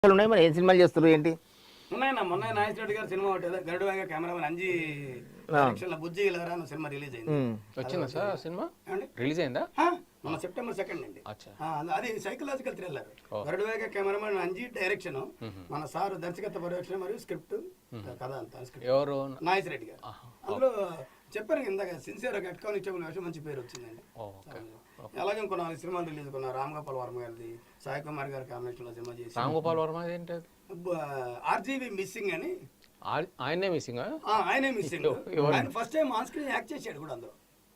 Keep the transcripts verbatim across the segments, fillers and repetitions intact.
ఉన్నాయి మరి ఏం సినిమాలు చేస్తారు ఏంటి? ఉన్నాయన్న మొన్న నాగేశ్వర రెడ్డి గారు సినిమా ఒకటి గరుడు వేగ కెమెరామెన్ అంజీ డైరెక్షన్ లో బుజ్జి ఇలారా అన్న సినిమా రిలీజ్ అయింది. వచ్చిందా సార్ సినిమా? రిలీజ్ అయిందా? మన సెప్టెంబర్ సెకండ్ అండి. అది psychological thriller. Garuda Vega cameraman Anji direction, మన సార్ దర్శకత్వ పర్యవేక్షణ మరియు స్క్రిప్ట్ కథ అంతా ఎవరు? నాగేశ్వర రెడ్డి గారు. అందులో చెప్పారు ఇందాక సిన్సియర్ కట్టుకొని ఇచ్చే వేషం మంచి పేరు వచ్చిందండి. అలాగే ఇంకో నాలుగు సినిమాలు రిలీజ్ కొన్నా. రామ్ గోపాల్ వర్మ గారిది, సాయి కుమార్ గారి కాంబినేషన్ లో సినిమా చేసి. రామ్ గోపాల్ వర్మ ఏంటి? ఆర్జీవి మిస్సింగ్ అని. ఆయనే మిస్సింగ్? ఆయనే మిస్సింగ్. ఆయన first time on screen act చేశాడు కూడా అందులో.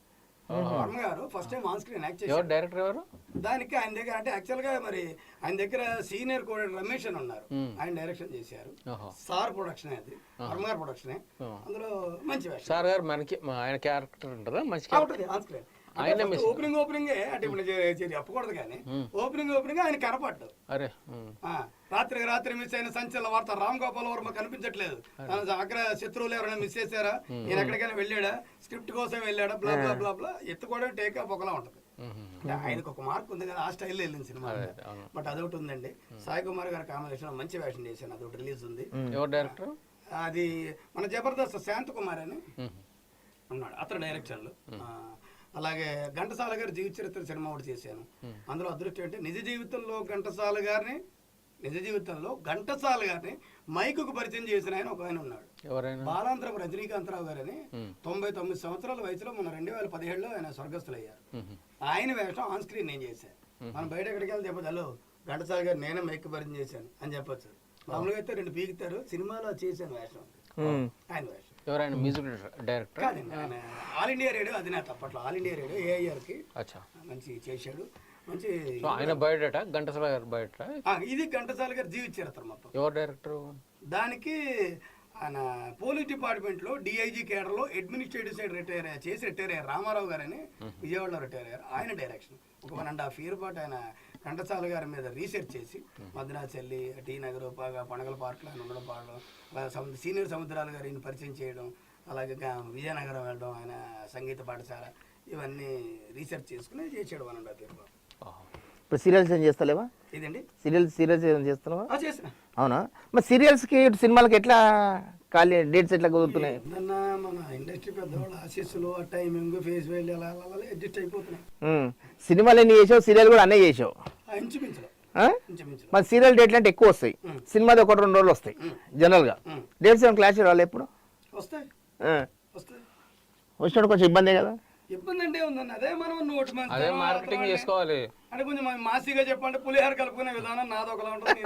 వర్మ గారు first time on screen act చేశారు. డైరెక్టర్ ఎవరు దానికి? ఆయన దగ్గర అంటే యాక్చువల్ గా మరి ఆయన దగ్గర సీనియర్ కూడా రమేష్ అని ఉన్నారు, ఆయన డైరెక్షన్ చేశారు. సార్ ప్రొడక్షన్ అది, వర్మ గారు ప్రొడక్షన్. అందులో మంచి వేషం. సార్ గారు మనకి ఆయన క్యారెక్టర్ ఉంటుందా? మంచి ఆన్ స్క్రీన్ ఓపెనింగ్ ఓపెనింగ్ అంటే ఇప్పుడు చెప్పకూడదు కానీ ఓపెనింగ్ ఓపెనింగ్ ఆయన కనపడ్డు. అరే రాత్రికి రాత్రి మిస్ అయిన సంచలన వార్త, రామ్ గోపాల్ వర్మ కనిపించట్లేదు, అగ్ర శత్రువులు ఎవరైనా మిస్ చేశారా, ఈయన ఎక్కడికైనా వెళ్ళాడా, స్క్రిప్ట్ కోసం వెళ్ళాడా, బ్లా బ్లా బ్లా బ్లా ఎత్తుకోవడం టేక్ ఆఫ్ ఒకలా ఉంటది. ఆయనకు ఒక మార్క్ ఉంది కదా, ఆ స్టైల్లో వెళ్ళింది సినిమా. బట్ అదొకటి ఉందండి. సాయి కుమార్ గారి కాంబినేషన్ మంచి వేషం చేశాను, అదొకటి రిలీజ్ ఉంది. ఎవరు డైరెక్టర్? అది మన జబర్దస్త్ శాంత్ కుమార్ అని ఉన్నాడు, అతను డైరెక్షన్ లో. అలాగే ఘంటసాల గారి జీవిత చరిత్ర సినిమా ఒకటి చేశాను. అందులో అదృష్టం అంటే నిజ జీవితంలో ఘంటసాల గారిని నిజ జీవితంలో ఘంటసాల గారిని మైకుకు పరిచయం చేసిన ఆయన ఒక ఆయన ఉన్నాడు, బాలాంతరం రజనీకాంతరావు గారు అని. తొంభై తొమ్మిది సంవత్సరాల వయసులో మన రెండు వేల పదిహేడులో ఆయన స్వర్గస్థులు అయ్యారు. ఆయన వేషం ఆన్ స్క్రీన్ నేను చేశాను. మనం బయట ఎక్కడికి వెళ్ళి చెప్పచ్చు, హలో ఘంటసాల గారు నేనే మైక్ పరిచయం చేశాను అని చెప్పొచ్చు. మామూలుగా అయితే రెండు పీకుతారు, సినిమాలో చేశాను వేషం ఆయన వేషం. ఎవరైనా music director? All India radio అధినేత అప్పట్లో, ఆల్ ఇండియా రేడియో ఏఐఆర్ కి మంచి చేశాడు. మంచి ఆయన బయోడేటా ఘంటసాల గారు బయోడేటా? ఇది ఘంటసాల గారు జీవిత చరిత్ర మొత్తం. ఎవరు డైరెక్టర్ దానికి? ఆయన పోలీస్ డిపార్ట్మెంట్ లో డిఐజీ కేడర్ లో అడ్మినిస్ట్రేటివ్ సైడ్ రిటైర్ చేసి రిటైర్ అయ్యారు రామారావు గారు అని, విజయవాడలో రిటైర్ అయ్యారు. ఆయన డైరెక్షన్ ఒక వన్ అండ్ హాఫ్ ఇయర్ పాటు ఆయన ఘంటసాల గారి మీద రీసెర్చ్ చేసి మద్రాచెల్లి, టీ నగర్, పండగల పార్క్లో ఆయన ఉండడం, పాడడం, సీనియర్ సముద్రాలు గారిని పరిచయం చేయడం, అలాగే విజయనగరం వెళ్ళడం, ఆయన సంగీత పాఠశాల, ఇవన్నీ రీసెర్చ్ చేసుకుని చేసాడు వన్ అండ్ హాఫ్ ఇయర్ పాటు. ఇప్పుడు సీరియల్స్ ఏం చేస్తలేవా? ఇదండి సీరియల్స్ సీరియల్స్ ఏం చేస్తున్నావా? చేసిన. అవునా? మరి సీరియల్స్కి సినిమాలకి ఎట్లా ఖాళీ డేట్స్ ఎట్లా కుదురుతున్నాయి? మన ఇండస్ట్రీ పెద్దవాళ్ళు ఆశీస్సులు, టైమింగ్, ఫేస్ వాల్యూ అలా అలా అడ్జస్ట్ అయిపోతున్నాయి. సినిమాలు ఎన్ని చేసావు, సీరియల్ కూడా అన్నీ చేసావు. ఇంచుమించు మరి సీరియల్ డేట్లు అంటే ఎక్కువ వస్తాయి, సినిమాది ఒకటి రెండు రోజులు వస్తాయి జనరల్గా. డేట్స్ ఏమైనా క్లాష్ రావాలి ఎప్పుడు? వస్తాయి వస్తాయి వచ్చినప్పుడు కొంచెం ఇబ్బందే కదా. ఇబ్బంది అంటే ఉందండి, అదే మనం నోటి మార్కెటింగ్ చేసుకోవాలి అంటే కొంచెం మాసిగా చెప్పంటే పులిహార కలుపుకునే విధానం నాది ఒకలా ఉంటుంది,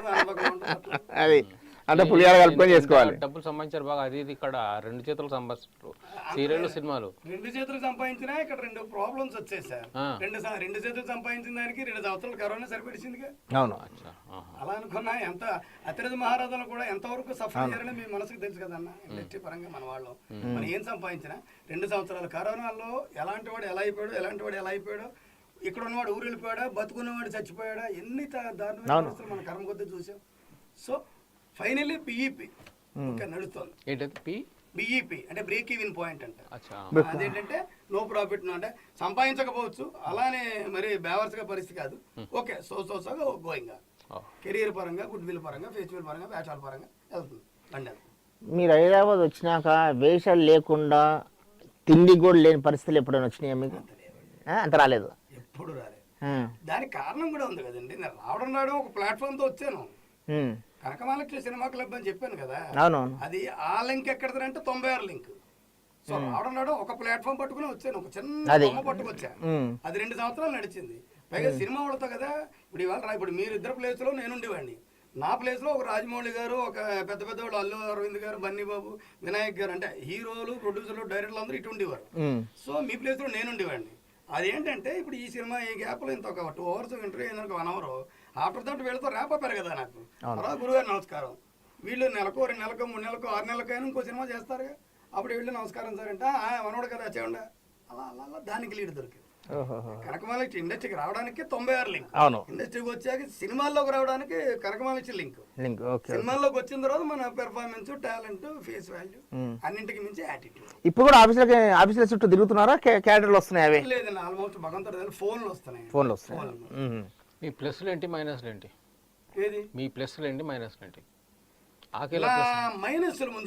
అది అంటే పులిహార కలుపుకొని చేసుకోవాలి. డబ్బులు సంపాదించారు బాగా, అది ఇది ఇక్కడ రెండు చేతులు సంపాదిస్తారు సీరియల్ సినిమాలు. రెండు చేతులు సంపాదించినా ఇక్కడ రెండు ప్రాబ్లమ్స్ వచ్చాయి సార్. రెండు రెండు చేతులు సంపాదించిన దానికి రెండు సంవత్సరాలు కరోనా సరిపెట్టిందిగా. అవును, అలా అనుకున్నా ఎంత అతిరథ మహారాజులు కూడా ఎంతవరకు సఫర్ అయ్యారని మీ మనసుకు తెలుసు కదన్న. ఇండస్ట్రీ పరంగా మన వాళ్ళు మనం ఏం సంపాదించినా రెండు సంవత్సరాలు కరోనాలో ఎలాంటి వాడు ఎలా అయిపోయాడు, ఎలాంటి వాడు ఎలా అయిపోయాడు, ఇక్కడ ఉన్నవాడు ఊరు వెళ్ళిపోయాడా, బతుకున్నవాడు చచ్చిపోయాడా, ఎన్ని దారుణమైన పరిస్థితులు మన కర్మ కొద్ది చూసాం. సో ఫైనల్లీ బిఈపి ఇంకా నడుస్తుంది. బిఈపి అంటే బ్రేక్ ఈవెన్ పాయింట్ అంటే అదేంటంటే నో ప్రాఫిట్, అంటే సంపాదించకపోవచ్చు, అలానే మరి బేవర్స్గా పరిస్థితి కాదు. Okay so so so going career పరంగా, గుడ్ విల్ పరంగా, ఫెస్టివల్ పరంగా, వేషాల పరంగా వెళ్తుంది బండి. మీరు హైదరాబాద్ వచ్చినాక వేషాలు లేకుండా తిండి కూడా లేని పరిస్థితులు ఎప్పుడైనా వచ్చినాయా మీకు? అంత రాలేదు, ఎప్పుడు రాలేదు. దానికి కారణం కూడా ఉంది కదండి. నేను రావడం రావడం ఒక ప్లాట్ఫామ్ తో వచ్చాను, కనకమహాలక్ష్మి సినిమా క్లబ్ అని చెప్పాను కదా. అది ఆ లింక్ ఎక్కడదంటే తొంభై ఆరు లింక్. సో రావడం రావడం ఒక ప్లాట్ఫామ్ పట్టుకుని వచ్చాను, ఒక చిన్న బొమ్మ పట్టుకొచ్చాను. అది రెండు సంవత్సరాలు నడిచింది. పైగా సినిమా వాళ్ళతో కదా. ఇప్పుడు ఇవాళ ఇప్పుడు మీరు ఇద్దరు ప్లేస్ లో నేను ఉండేవాడిని, నా ప్లేస్ లో ఒక రాజమౌళి గారు, ఒక పెద్ద పెద్ద వాళ్ళు అల్లు అరవింద్ గారు, బన్నీ బాబు, వినాయక్ గారు, అంటే హీరోలు, ప్రొడ్యూసర్లు, డైరెక్టర్లు అందరూ ఇటు ఉండేవారు. సో మీ ప్లేస్ లో నేను ఉండేవాడిని. అదేంటంటే ఇప్పుడు ఈ సినిమా ఈ గ్యాప్ లో ఇంత ఒక టూ అవర్స్ ఇంటర్వ్యూ అయిన వన్ అవర్ ఆఫ్టర్ దట్ వీళ్ళతో ర్యాప్ అప్పారు కదా నాకు. తర్వాత గురుగారు నమస్కారం, వీళ్ళు నెలకు రెండు నెలకు మూడు నెలకు ఆరు నెలలకైనా ఇంకో సినిమా చేస్తారుగా, అప్పుడు వీళ్ళు నమస్కారం సార్ అంటే మనోడు కదా చేయండి, అలా అలా అలా దానికి లీడ్ దొరికింది. కనకమహాలక్ష్మి ఇండస్ట్రీకి రావడానికి తొంభై ఆరు లింక్, ఇండస్ట్రీకి వచ్చాక సినిమాల్లోకి రావడానికి కనకమహాలక్ష్మి లింక్. సినిమాల్లోకి వచ్చిన తర్వాత మన పెర్ఫార్మెన్స్, టాలెంట్, ఫేస్ వాల్యూ, అన్నింటికి మించి యాటిట్యూడ్. ఇప్పుడు కూడా ఆఫీసులకి ఆఫీసుల చుట్టూ తిరుగుతున్నారా, క్యాడర్లు వస్తున్నాయి? లేదండి, ఆల్మోస్ట్ భగవంతుడు ఫోన్లు వస్తున్నాయి. ఫోన్లు వస్తున్నాయి. మీ ప్లస్లు ఏంటి, మైనస్లు ఏంటి? ఏది మీ ప్లస్లు ఏంటి మైనస్లు ఏంటి ఆకేలా నా ప్లస్ మైనస్ల ముందు